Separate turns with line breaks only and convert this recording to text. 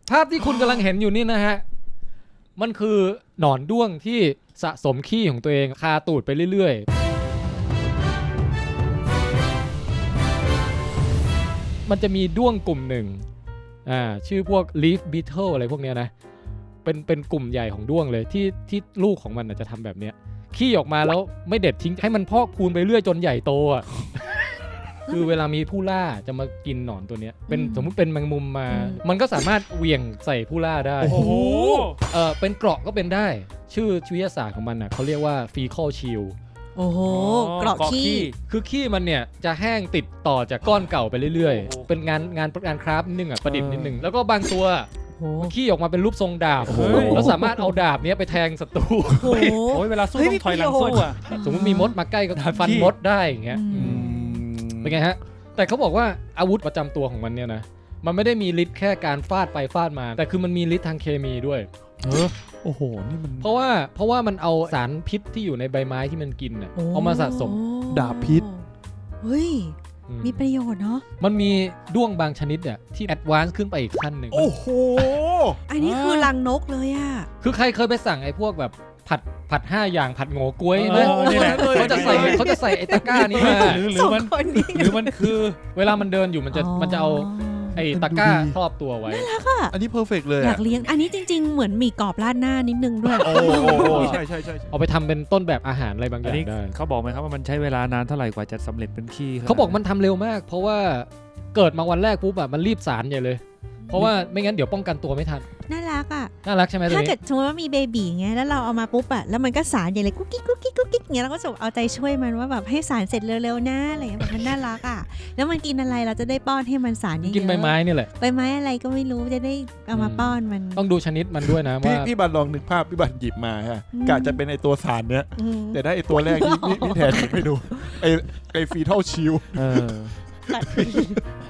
ภาพที่คุณกำลังเห็นอยู่นี่นะฮะมันคือหนอนด้วงที่สะสมขี้ของตัวเองคาตูดไปเรื่อยๆมันจะมีด้วงกลุ่มหนึ่งชื่อพวก leaf beetle อะไรพวกเนี้ยนะเป็นกลุ่มใหญ่ของด้วงเลยที่ลูกของมันจะทำแบบเนี้ยขี้ออกมาแล้วไม่เด็ดทิ้งให้มันพอกพูนไปเรื่อยจนใหญ่โตอ่ะ คือเวลามีผู้ล่าจะมากินหนอนตัวเนี้ยเป็นสมมุติเป็นแมงมุมมามันก็สามารถเหวี่ยงใส่ผู้ล่าได้
โอ้โห
เป็นเกราะก็เป็นได้ชื่อวิทยาศาสตร์ของมันน่ะเขาเรียกว่า fecal shield
โอ้โหเกราะขี้
คือขี้มันเนี่ยจะแห้งติดต่อจากก้อนเก่าไปเรื่อย
โอ้โห
ๆเป็นงานคราฟนิดนึงประดิษฐ์นิดนึงแล้วก็บางตัว
โอ้โห
ขี้ออกมาเป็นรูปทรงดาบ
โอ้โห
แล้วสามารถเอาดาบเนี้ยไปแทงศัตรู
โอ้โห
โอ้ยเวลาสู้
เฮ้ย
ต้องถอยหลัง
มีประโยชน์
สู้อ่ะ
สมมติมีมดมาใกล้ก็ฟันมดได้อย่างเงี้ย
อืม
เป็นไงฮะแต่เขาบอกว่าอาวุธประจำตัวของมันเนี่ยนะมันไม่ได้มีฤทธิ์แค่การฟาดไปฟาดมาแต่คือมันมีฤทธิ์ทางเคมีด้วย
โอ้โหนี่มัน
เพราะว่ามันเอาสารพิษที่อยู่ในใบไม้ที่มันกินน่ะเอามาสะสม
ดาบพิษ
เฮ้ย
อืม
มีประโยชน์เนาะ
มันมีด้วงบางชนิดเนี่ยที่แอดวานซ์ขึ้นไปอีกขั้นหนึ่ง
โอ้โห
อันนี้คือรังนกเลยอ่ะ
คือใครเคยไปสั่งไอ้พวกแบบผัด5อย่างผัดโง่กล้วยไหม
นี่แหละ
เขาจะใส่ไอ้ตะกร้านี้มา
หรือ
สอง
มัน
คนนี้
หรือมันคือ
เวลามันเดินอยู่มันจะเอาไอ้ตะกร้าครอบตัวไว้
อันนี้เพอร์เฟกต์เลย
อยา
อ่ะ
กเลี้ยง อันนี้จริง ๆ เหมือนหมี่กรอบราดหน้านิดนึงด้วย
โอ้ใช่ใช่ใช่
เอาไปทำเป็นต้นแบบอาหารอะไรบางอ
อัน
ย่าง
นี้
ได้
เขาบอกไหมครับว่ามันใช้เวลานานเท่าไหร่กว่าจะสำเร็จเป็นขี้
เขาบอกมันทำเร็วมาก เพราะว่าเกิดมาวันแรกปุ๊บแบบมันรีบสารใหญ่เลย เพราะว่าไม่งั้นเดี๋ยวป้องกันตัวไม่ทัน
น่ารักอ่ะ
น่ารักใช่ไหมตัว
ถ้า
นี้
เกิดสมมติว่ามีเบบีไงแล้วเราเอามาปุ๊บอะแล้วมันก็สารใหญ่เลยกุ๊กกิ๊กกุ๊กกิ๊กกุ๊กกิ๊กเงี้ยเราก็จะเอาใจช่วยมันว่าแบบให้สารเสร็จเร็วๆนะอะไรเงี้ยแบบมันน่ารักอะแล้วมันกินอะไรเราจะได้ป้อนให้มันสารเยอะๆ
กินใบไม้นี่แหละ
ใบไม้อะไรก็ไม่รู้จะได้เอามาป้อนมัน
ต้องดูชนิดมันด้วยนะว่า
พี่บันลองนึกภาพพี่บันหยิบมาฮะ
อืม
กะจะเป็นไอตัวสารเนี้ย
อืม
แต่ได้ไอตัวแรกที่พี่แทนหยิบให้ดูไอฟีทัลชิล
เออ